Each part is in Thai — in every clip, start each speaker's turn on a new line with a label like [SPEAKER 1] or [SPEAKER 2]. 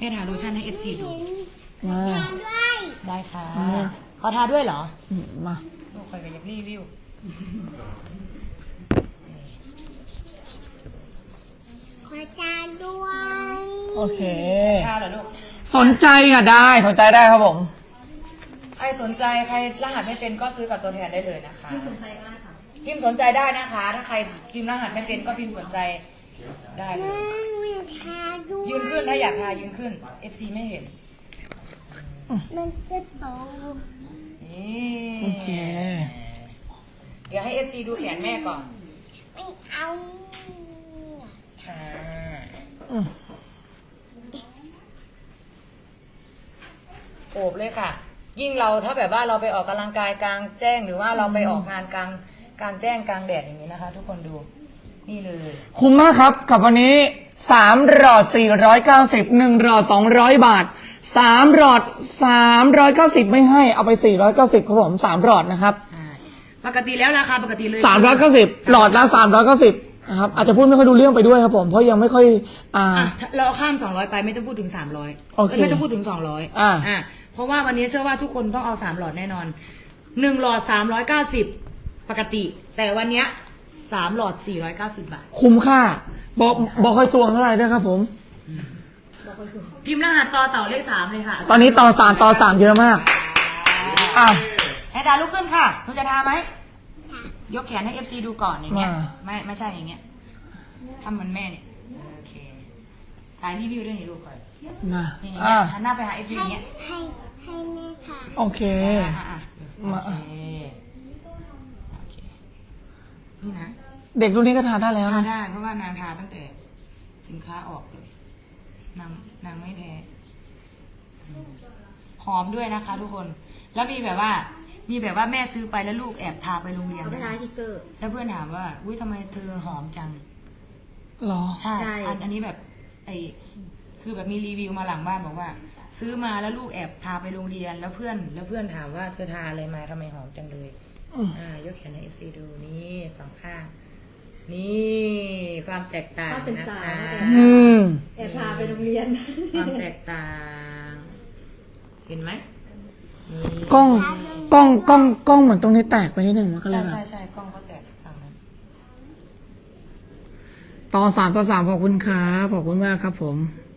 [SPEAKER 1] ม่ทาโลชั่นให้ FC ดู
[SPEAKER 2] มา
[SPEAKER 1] ได้ค่ะขอทาด้วยเหรอ
[SPEAKER 2] มา
[SPEAKER 1] ลูกคอยก็อยากรีวิว
[SPEAKER 3] ขอจานด้วย
[SPEAKER 2] โอเค
[SPEAKER 1] ทาเหรอลูก
[SPEAKER 2] สนใจค่ะได้สนใจได้ครับผม
[SPEAKER 1] ใครสนใจใครรหัสไม่เป็นก็ซื้อกับตัวแทนได้เลยนะคะพิมพ์สนใจก็ได้ค่ะพิมพ์สนใจได้นะคะ ถ้าใครพิมพ์รหัสไม่เป็นก็พิมพ์สนใจได้เลย
[SPEAKER 3] ไม่ทาด้วย
[SPEAKER 1] ยืนขึ้นถ้าอยากทายืนขึ้น FC ไม่เห็น
[SPEAKER 3] มันจะโต
[SPEAKER 1] นี่
[SPEAKER 2] โอเค
[SPEAKER 1] เดี๋ยวให้ FC ดูแขนแม่ก่อน
[SPEAKER 3] ไม่เอา
[SPEAKER 1] ค่ะ
[SPEAKER 2] อืม
[SPEAKER 1] โอบเลยค่ะ ยิ่งเราถ้าแบบว่าเราไปออกกำลังกายกลางแจ้งหรือว่าเราไปออกงานกลางแจ้งกลางแดดอย่างนี้นะคะ ทุกคนดูนี่เลย
[SPEAKER 2] คุ้มมากครับกับวันนี้3หลอด490 1หลอด200 บาท3หลอด390ไม่ให้เอาไป490ครับผม3หลอดนะครับ
[SPEAKER 1] ปกติแล้วราคาปกติเลย
[SPEAKER 2] 390หลอดละ390นะครับอาจจะพูดไม่ค่อยดูเรื่องไปด้วยครับผมเพราะยังไม่ค่อย
[SPEAKER 1] เราข้าม200ไปไม่ต้องพูดถึง300
[SPEAKER 2] โอเค
[SPEAKER 1] ไม่ต้องพูดถึง200เพราะว่าวันนี้เชื่อว่าทุกคนต้องเอา3หลอดแน่นอน1หลอด390ปกติ แต่วันเนี้ย3หลอด490 บาท
[SPEAKER 2] คุ้มค่าบอกค่อยสวงเท่าไหร่ด้วยครับผม
[SPEAKER 1] พิมพ์รหัสต่อเต่าเลข3เลยค่ะ
[SPEAKER 2] ตอนนี้ต่อ3เยอะมากอ้าว
[SPEAKER 1] ให้ดาลุกขึ้นค่ะคุณจะทาไหมยกแขนให้ FC ดูก่อนอย่างเงี้ยไม่ใช่อย่างเงี้ยทำเหมือนแม่เนี่ยโอเคสายรีวิวเรื่องนี้ลูกก่อน
[SPEAKER 2] มา
[SPEAKER 1] อย่างเงี้ยหันหน้าไปหา FC อย่างเงี้ย
[SPEAKER 3] ให้แม่ทา
[SPEAKER 2] โอเค มา
[SPEAKER 1] โอเคนี่นะ
[SPEAKER 2] เด็กรุ่นนี้ก็ทานได้แล้ว
[SPEAKER 1] ทา
[SPEAKER 2] นะ
[SPEAKER 1] ได้เพราะว่านางทาตั้งแต่สินค้าออกเลยนางไม่แพ้หอมด้วยนะคะ ทุกคนแล้วมีแบบว่าแม่ซื้อไปแล้วลูกแอบทาไปโรงเรียน
[SPEAKER 4] เอาไปทาทิกเกอร์
[SPEAKER 1] แล้วเพื่อนถามว่าอุ้ยทำไมเธอหอมจัง
[SPEAKER 2] หรอ
[SPEAKER 1] ใช่
[SPEAKER 4] ใช่
[SPEAKER 1] อันนี้แบบคือแบบมีรีวิวมาหลังบ้านบอกว่า ซื้อมาแล้วลูกแอบทาไปโรงเรียนแล้วเพื่อนถามว่าเธอทาอะไรมาทำไมหอมจังเลย ยกแขนให้ FC ดูนี่สองข้าง นี่ความแตกต่าง
[SPEAKER 4] ก็เป็น
[SPEAKER 1] นะ
[SPEAKER 4] สาว
[SPEAKER 1] คะ
[SPEAKER 4] แอบพาไปโรงเรียน
[SPEAKER 1] ความแตกต่าง เห็นไหมนี่
[SPEAKER 2] กล้องเหมือนตรงนี้แตกไปนิดหนึ่งมันก็เลยแบบ
[SPEAKER 1] ใช่กล้องเขาแตกต่างนั้น
[SPEAKER 2] ต่อ3ขอบคุณครับขอบคุณมากครับผม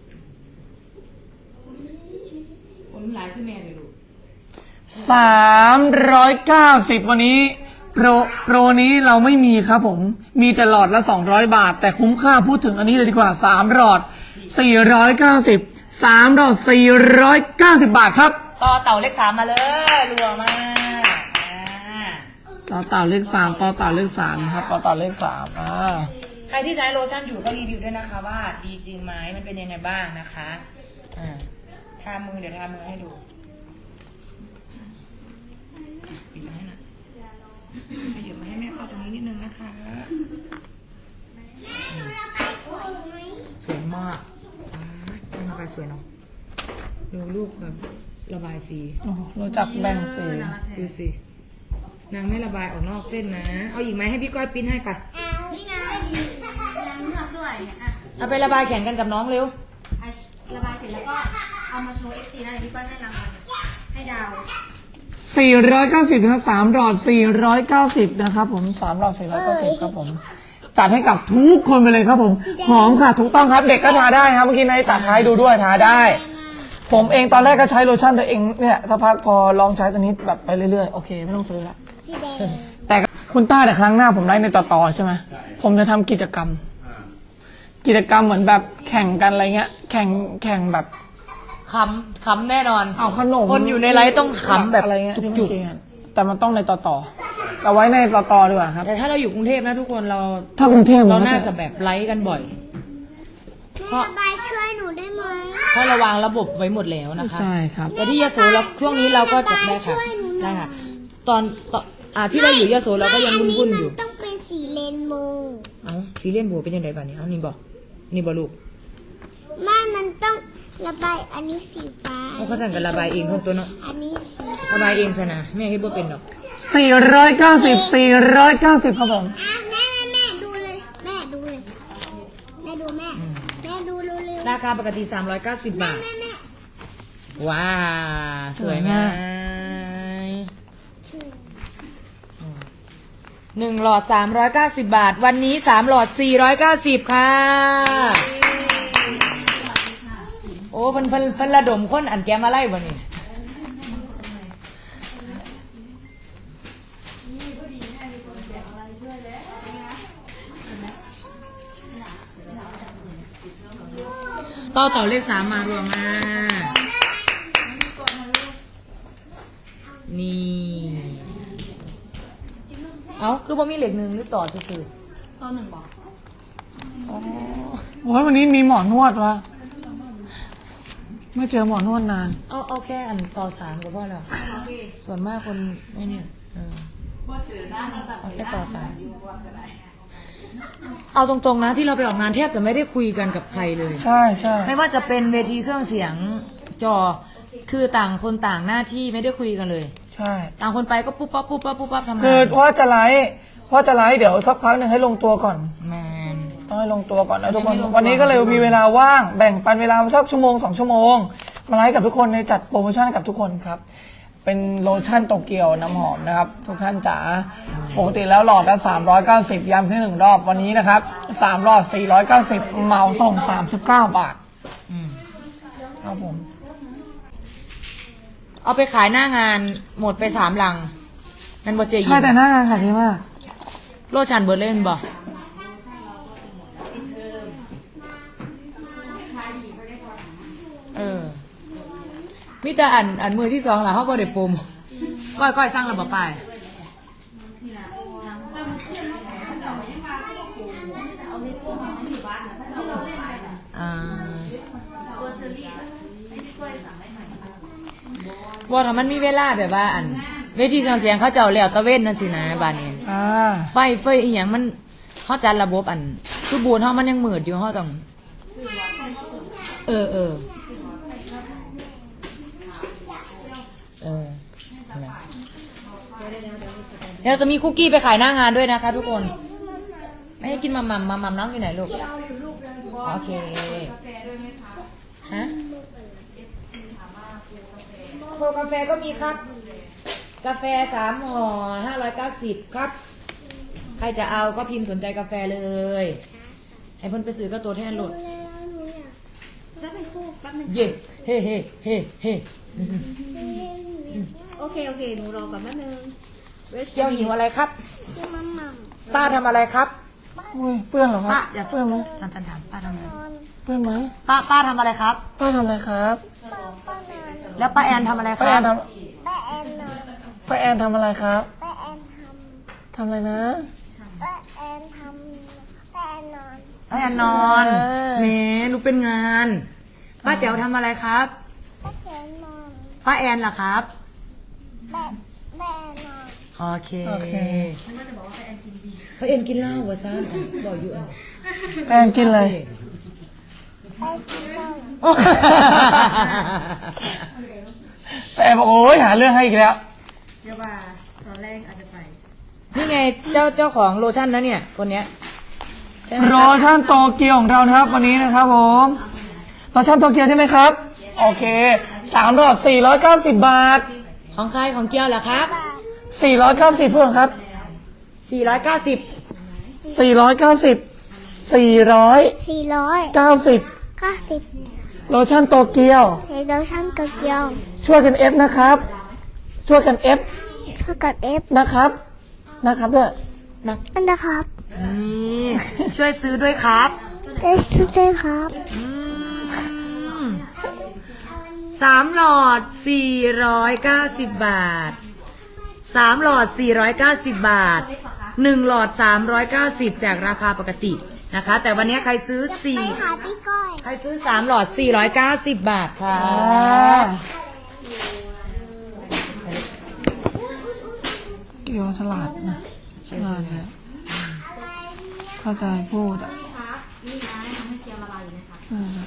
[SPEAKER 1] คนน้ำลายขึ้นแม่เลยลูก
[SPEAKER 2] 390วันนี้โปรนี้เราไม่มีครับผมมีแต่หลอดละ200 บาท แต่คุ้มค่าพูดถึงอันนี้เลยดีกว่า3หลอด490 3หลอด490 บาทครับ
[SPEAKER 1] ต่อเต่าเลข3มาเลยรัวมาก
[SPEAKER 2] ต่อเต่าเลข3ต่อเต่าเลข3นะครับต่อเต่าเลข3
[SPEAKER 1] ใครที่ใช้โลชั่นอยู่ก็รีวิวด้วยนะคะว่าดีจริงไหมมันเป็นยังไงบ้างนะคะทามือเดี๋ยวทามือให้ดูปิดมาให้หน่อยขยับมาให้แม่เข้าตรงนี้นิดนึงนะคะสวยมากระบายสวยเนาะดูลูกแบบระบายสี
[SPEAKER 2] โอ้โหรู้จักแบ่งสี
[SPEAKER 1] ดูสินางไม่ระบายออกนอกเส้นนะเอาอีกไหมให้พี่ก้อยปิ้นให้ปะ
[SPEAKER 4] นี่ไงนางเลือกด้วยเนี่ยอ่ะ
[SPEAKER 1] เอาไประบายแข่งกันกับน้องเร็ว
[SPEAKER 4] ระบายเสร็จแล้วก็เอามาโชว์ FC นะเดี๋ยวพี่ก้อยให้รางวัลให้ดาว
[SPEAKER 2] 490นะครับ3หลอด490นะครับผม3หลอด490ครับผมจัดให้กับทุกคนไปเลยครับผมหอมค่ะถูกต้องครับเด็กก็ทาได้นะครับเมื่อกี้ในตัดท้ายดูด้วยทาได้ ผมเองตอนแรกก็ใช้โลชั่นตัวเองเนี่ยสักพักพอลองใช้ตัวนี้แบบไปเรื่อยๆโอเคไม่ต้องซื้อละ
[SPEAKER 3] สีแดง
[SPEAKER 2] แต่คุณต้าแต่ครั้งหน้าผมไลฟ์ในต่อใช่ไหมผมจะทำกิจกรรมเหมือนแบบแข่งกันอะไรเงี้ยแข่งแบบ
[SPEAKER 1] ขำแน่นอน
[SPEAKER 2] เอาขนม
[SPEAKER 1] คนอยู่ในไลฟ์ต้องขำแบบ
[SPEAKER 2] อะไรเงี้ยที่
[SPEAKER 1] จุ
[SPEAKER 2] เมื่
[SPEAKER 1] ก
[SPEAKER 2] อกี้อะแต่มันต้องในต่อเอาไว้ในต่อดีกว่าครับ
[SPEAKER 1] ๆแต่ถ้าเราอยู่กรุงเทพนะทุกคนเรา
[SPEAKER 2] ถ้ากรุงเทพ
[SPEAKER 1] เรา
[SPEAKER 2] มันก็
[SPEAKER 1] น่าจะแบบไลฟ์กันบ่อย
[SPEAKER 3] แม่ระบายช่วยหนูได้ไหม
[SPEAKER 1] เพราะเราวางระบบไว้หมดแล้วนะคะ
[SPEAKER 2] ใช่ครับ
[SPEAKER 1] แต่ที่ยโสเราช่วงนี้เราก็จัดได้ค่ะได้ค่ะ ตอนที่เราอยู่ยโสเราก็ยังวุ่นๆอยู่
[SPEAKER 3] มันต้องเป็นสีเรนโบว์
[SPEAKER 1] เอ้าซีเรียนโบเป็นยังไงบ้างเนี่ยนี่บอกลูก
[SPEAKER 3] มันต้องระบายอันนี้สีฟ้า
[SPEAKER 1] เขาสั่งกันระบายเองทุกตัวเนาะ
[SPEAKER 3] อันนี้สี
[SPEAKER 1] ระบายเองซะนะแม่คิดว่าเป็นหรอก
[SPEAKER 2] 490ครับผม
[SPEAKER 3] แม่ดูเลยแม่ดูเลยแม่ดูเร็ว
[SPEAKER 1] ได้ราคาปกติ390 บาท ว้าสวยไหม1 หลอด 390 บาท วันนี้3 หลอด 490 ค่ะ โอ้เพิ่นระดมคนอันแกมาไล่บ่นี่ต่อเลข3มารวมมานี่เอาคือบ่มีเหล็กหนึ่งหรือต่อซื่อ
[SPEAKER 4] ตัว1บอก
[SPEAKER 1] ๆอ๋อ
[SPEAKER 2] โอ้ยวันนี้มีหมอนวดวะไม่เจอหมอนวดนาน
[SPEAKER 1] เอาแค่อันต่อ3ก็พอแล้ว ส่วนมากคนไม่เนี่ยเอาแค่ต่อ3เอาตรงๆนะที่เราไปออกงานแทบจะไม่ได้คุยกันกับใครเลย
[SPEAKER 2] ใช่ใช่
[SPEAKER 1] ไม่ว่าจะเป็นเวทีเครื่องเสียงจอคือต่างคนต่างหน้าที่ไม่ได้คุยกันเลย
[SPEAKER 2] ใช่
[SPEAKER 1] ต่างคนไปก็ปุ๊บปั๊บปุ๊บปั๊บปุ๊บปั๊บทำงาน
[SPEAKER 2] คือว่าจะไลฟ์เดี๋ยวสักพักหนึ่งให้ลงตัวก่อน
[SPEAKER 1] แมน
[SPEAKER 2] ต้องให้ลงตัวก่อนนะทุกคน
[SPEAKER 1] ยังไม่ลงตัว
[SPEAKER 2] วันนี้ก็เลยมีเวลาว่างแบ่งปันเวลาสักชั่วโมง2 ชั่วโมงมาไลฟ์กับทุกคนในจัดโปรโมชั่นให้กับทุกคนครับเป็นโลชั่นโตเกียวน้ำหอมนะครับทุกท่านจ๋าปกติแล้วหลอดละ390ย้ำซื้อ1 รอบวันนี้นะครับ3 หลอด 490เหมาส่ง39 บาท
[SPEAKER 1] อืม
[SPEAKER 2] ครับผม
[SPEAKER 1] เอาไปขายหน้างานหมดไป3 ลังนั่นบ่เจยิ
[SPEAKER 2] ใช่แต่หน้างานขายดีมาก
[SPEAKER 1] โลชันเบิร์ดเล่นบ่มิแต่อันมือที่2ล่ะเขาบ่ได้ปุ่มก้อยสร้างระบบไปว่าถ้ามันมีเวลาแบบว่าอันเวทีเครื่องเสียงเขาเจ้าแล้วตะเว้นนั่นสินะบ้านนี้ ไฟอีหยังมันเขาจัดระบบอันคือบูนเขามันยังมืดอยู่เขาต้องนั่นแหละเดี๋ยวเราจะมีคุกกี้ไปขายหน้างานด้วยนะคะทุกคน ไม่ให้กินมัมน้องอยู่ไหนลูกโอเคฮะโคกาแฟก็มีครับ กาแฟ3 ห่อ590ครับใครจะเอาก็พิมพ์สนใจกาแฟเลยให้เพิ่นไปซื้อก็ตัวแทนโหลด
[SPEAKER 4] จะเป็นคู่แป๊บนึง
[SPEAKER 1] เย่เฮ้
[SPEAKER 4] โอเคหนูรอก่อนแป๊บนึง
[SPEAKER 1] เกี่ยวหิวอะไรครับ
[SPEAKER 3] ที่มัมมัม
[SPEAKER 1] ป้าทำอะไรครับ
[SPEAKER 2] อุ้ยเปื้อนเหรอค
[SPEAKER 1] ป้า
[SPEAKER 2] รับ
[SPEAKER 1] อย่า
[SPEAKER 2] เปื้อนไหม
[SPEAKER 1] ถามป้าทำอะไร
[SPEAKER 2] เปื้อนไหม
[SPEAKER 1] ป้าทำอะไรครับ
[SPEAKER 2] ป้าทำอะไรครับ
[SPEAKER 3] ป้านอน
[SPEAKER 1] แล้วป้าแอนทำอะไรค
[SPEAKER 2] ป้า
[SPEAKER 1] รั
[SPEAKER 2] แอบ นท
[SPEAKER 3] ป้าแอนนอน
[SPEAKER 2] ำป้าแอนทำอะไรครับ
[SPEAKER 3] ป้าแอนท
[SPEAKER 2] ทำอะไรนะ
[SPEAKER 3] ำป้าแอนทำป้าแอนนอน
[SPEAKER 1] ป้าแอนนอน
[SPEAKER 2] เออ
[SPEAKER 1] แหมลูกเป็นงาน ป้าแจ๋วทำอะไรครับ
[SPEAKER 3] ป้าแอนนอน
[SPEAKER 1] ป้าแอนล่ะครับ
[SPEAKER 3] ป้าแอนนอน
[SPEAKER 1] โอเค
[SPEAKER 2] โอเค
[SPEAKER 1] ป้าแอนกินเหล้าวะซ่าบอกอยู่อัน
[SPEAKER 2] ป้าแอนกินอะไร
[SPEAKER 3] ป้ากินเหล้า
[SPEAKER 2] ป้าแอนบอกโอ้ยหาเรื่องให้อีกแล้ว
[SPEAKER 4] เดี๋ยวว่าตอนแรกอาจจะไป
[SPEAKER 1] นี่ไงเจ้าของโลชั่นนะเนี่ยคนเนี้ยใช่ไหม
[SPEAKER 2] โรชั่นโตเกียวของเรานะครับวันนี้นะครับผมโรชั่นโตเกียวใช่ไหมครับ โอเค3 หลอด 490 บาท
[SPEAKER 1] ของใครของเกียวเหรอครับ
[SPEAKER 2] 490เพื่อนครับ
[SPEAKER 1] 490
[SPEAKER 2] 490 490
[SPEAKER 3] 490
[SPEAKER 2] โลชั่นโตเกียว
[SPEAKER 3] เฮโดชั่นโตเกียว
[SPEAKER 2] ช่วยกันเอฟนะครับ ช่วยกันเอฟ
[SPEAKER 3] ช่วยกับเอฟ
[SPEAKER 2] นะครับด้วย
[SPEAKER 3] นั่นนะครับ
[SPEAKER 1] นี่ช่วยซื้อด้วยครับ
[SPEAKER 3] ได้ช่วยด้วยครับ
[SPEAKER 1] 3 หลอด 490 บาท 3 หลอด 490 บาท 1 หลอด 390 จากราคาปกตินะคะ แต่วันนี้ใครซื้อ
[SPEAKER 3] ไปหาพี่ก้อย
[SPEAKER 1] 4 ใครซื้อ 3 หลอด 490 บาทค่ะ
[SPEAKER 2] เกียวฉลาดนะฉลาดนะเข้าใจพูดอ่ะ
[SPEAKER 4] ครับนี่นะทำให้เกียวละลายอยู่นะคะ
[SPEAKER 2] อืม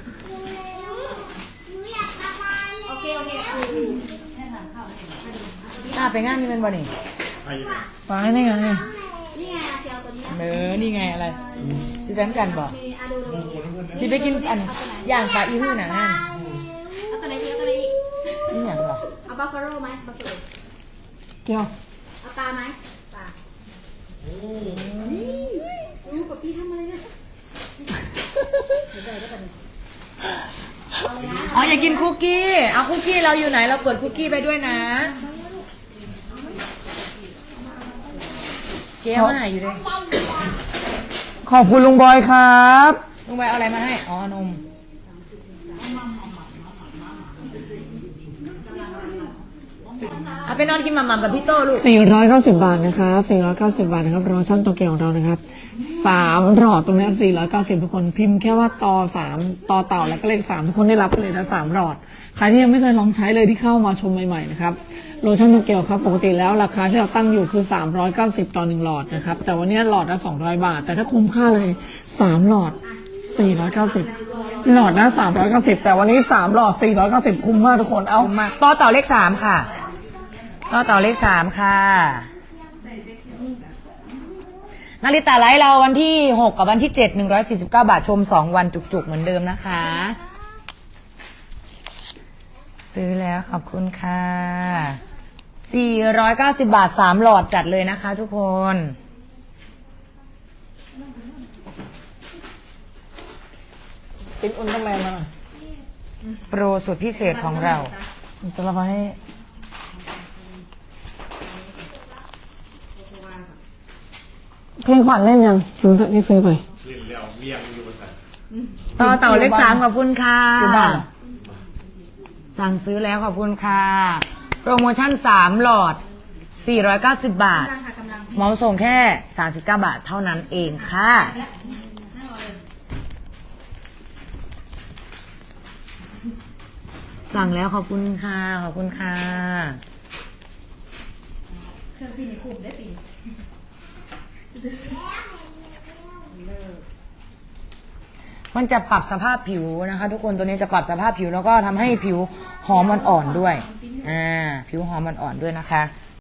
[SPEAKER 4] โอเค
[SPEAKER 1] ไปงานนี่เป็นบ่นี่
[SPEAKER 2] ไปนี่ไง
[SPEAKER 4] นี่ไงเกียวตัวนี้
[SPEAKER 1] นี่ไงอะไร
[SPEAKER 2] อ
[SPEAKER 1] สิแบงกันบอก
[SPEAKER 4] มีอะดูดู
[SPEAKER 1] สิไปกินอันย่างปลาอีหื้อน่ะนั่น
[SPEAKER 4] เอาตัวไหนดีเอาตัวไหนดี
[SPEAKER 1] นี่อย่างหรอ
[SPEAKER 4] เอาบัฟฟาโลไหมบัฟฟาโล
[SPEAKER 2] เกี่ยว
[SPEAKER 4] เอาปลาไหมปลาโอ้กับพี่ทำอะไรเนี่ยเอาเลยนะ
[SPEAKER 1] อ๋ออยากกินคุกกี้เอาคุกกี้เราอยู่ไหนเราเปิดคุกกี้ไปด้วยนะเจ๊มาไหนอยู่ด้วย
[SPEAKER 2] ขอบคุณลุงบอยครับ
[SPEAKER 1] ลุงใบเอาอะไรมาให้อ๋อนมเอาไปนอนกินหม่ำๆกับพี่โต้ลูก
[SPEAKER 2] 490 บาทนะครับ490 บาทนะครับรอช่างโตเกียวของเรานะครับ3หลอดตรงนี้490ทุกคนพิมพ์แค่ว่าต่อ3ต่อเต่าแล้วก็เลข3ทุกคนได้รับไปเลยนะ3หลอดใครที่ยังไม่เคยลองใช้เลยที่เข้ามาชมใหม่ๆนะครับโลชั่นโตเกียวครับปกติแล้วราคาที่เราตั้งอยู่คือ390ต่อ1หลอดนะครับแต่วันนี้หลอดละ200 บาทแต่ถ้าคุ้มค่าเลย3หลอด490หลอดนะ390แต่วันนี้3หลอด490คุ้มมากทุกคนเอา
[SPEAKER 1] มาต่อเต่าเลข3ค่ะต่อเต่าเลข3ค่ะนาฬิตาไลฟ์เราวันที่6กับวันที่7 149 บาทชม2วันจุกๆเหมือนเดิมนะคะ ซื้อแล้วขอบคุณค่ะ490 บาท3หลอดจัดเลยนะคะทุกคน
[SPEAKER 2] เป็นอุลตร้าแมนมาหน่อย
[SPEAKER 1] โปรสุดพิเศษของเรา
[SPEAKER 2] จะรับมาให้เพลงขวัญเล่นยังรู้จักที่ซื้อไป
[SPEAKER 1] ต่อเต่าเลข3ขอบคุณค่ะ
[SPEAKER 2] อยู่บ้านเหรอ
[SPEAKER 1] สั่งซื้อแล้วขอบคุณค่ะ โปรโมชั่น3หลอด490 บาท เหมาส่งแค่39 บาทเท่านั้นเองค่ะ สั่งแล้วขอบคุณค่ะขอบคุณค่ะ
[SPEAKER 4] เครื่องพี่ในคุมได้ปี
[SPEAKER 1] มันจะปรับสภาพผิวนะคะ ทุกคนตัวนี้จะปรับสภาพผิวแล้วก็ทำให้ผิวหอมอ่อนๆด้วยผิวหอมอ่อนๆด้วยนะคะ